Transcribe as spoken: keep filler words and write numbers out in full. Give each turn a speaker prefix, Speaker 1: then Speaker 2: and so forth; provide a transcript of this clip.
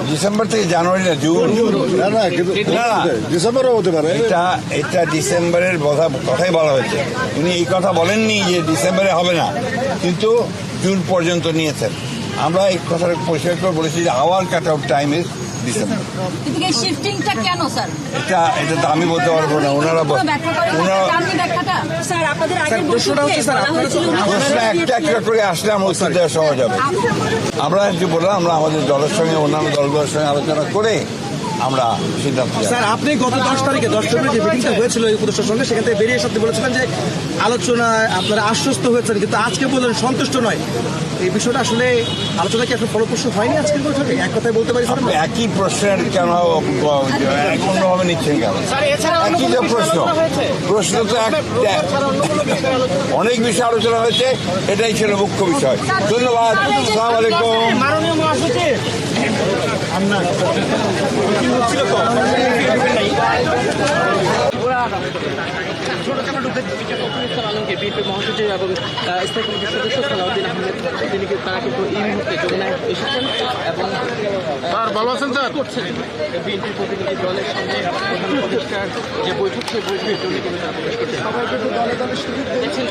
Speaker 1: December থেকে জানুয়ারি না June,
Speaker 2: না না কিন্তু
Speaker 1: না না
Speaker 2: ডিসেম্বরও হতে পারে।
Speaker 1: এটা এটা ডিসেম্বরের কথা কথাই বলা হয়েছে। উনি এই কথা বলেননি যে ডিসেম্বরে হবে না, কিন্তু জুন পর্যন্ত নিয়েছেন। আমরা এই কথাটা পরিষ্কার করে বলেছি যে our cut out time is December.
Speaker 3: কিন্তু এই শিফটিংটা কেন স্যার?
Speaker 1: এটা এটা তো আমি বলতে পারবো না, ওনারা ওনারা
Speaker 3: স্যার আপনাদের আগের
Speaker 2: প্রশ্নটা হচ্ছে স্যার আপনারা তো
Speaker 1: প্রশ্ন একটা একটা করে আসলে আমার উত্তর দেওয়া সহজ হবে। আমরা যে বললাম আমরা আমাদের দলের সঙ্গে অন্যান্য দলগুলোর সঙ্গে আলোচনা করে আমরা সিদ্ধান্ত নেব।
Speaker 2: স্যার আপনি গত দশ তারিখে দশ ফেব্রুয়ারি যে মিটিংটা হয়েছিল এই উপদেষ্টার সঙ্গে, সেখান থেকে বেরিয়ে এসে আপনি বলেছিলেন যে আলোচনায় আপনারা আশ্বস্ত হয়েছেন, কিন্তু আজকে বললেন সন্তুষ্ট নয়। এই বিষয়টা আসলে আলোচনা কি আসলে ফলপ্রসূ হয়নি আজকের বৈঠকে? এক কথায় বলতে পারি স্যার।
Speaker 1: একই প্রশ্নের কেন অন্যভাবে নিচ্ছেন কেন? একই যে প্রশ্ন প্রশ্ন তো এক- অনেক বিষয় আলোচনা হয়েছে, এটাই ছিল মুখ্য বিষয়। ধন্যবাদ। আসসালামু আলাইকুম।
Speaker 4: মাননীয় মহাসচিব আলমকে বিএনপি মহাসচিব এবং স্থায়ী কমিটির সদস্য সালাউদ্দিন আহমেদ তিনি তারা কিন্তু এই মুহূর্তে যমুনায় এসেছেন এবং ভালো আছেন স্যার করছেন বিএনপি প্রতিনিধি দলের সঙ্গে প্রধান উপদেষ্টার যে বৈঠক সেই বৈঠকের জন্য কিন্তু তারা প্রবেশ করছে। সবাই কিন্তু দলে দলে সুযোগ দিয়েছেন।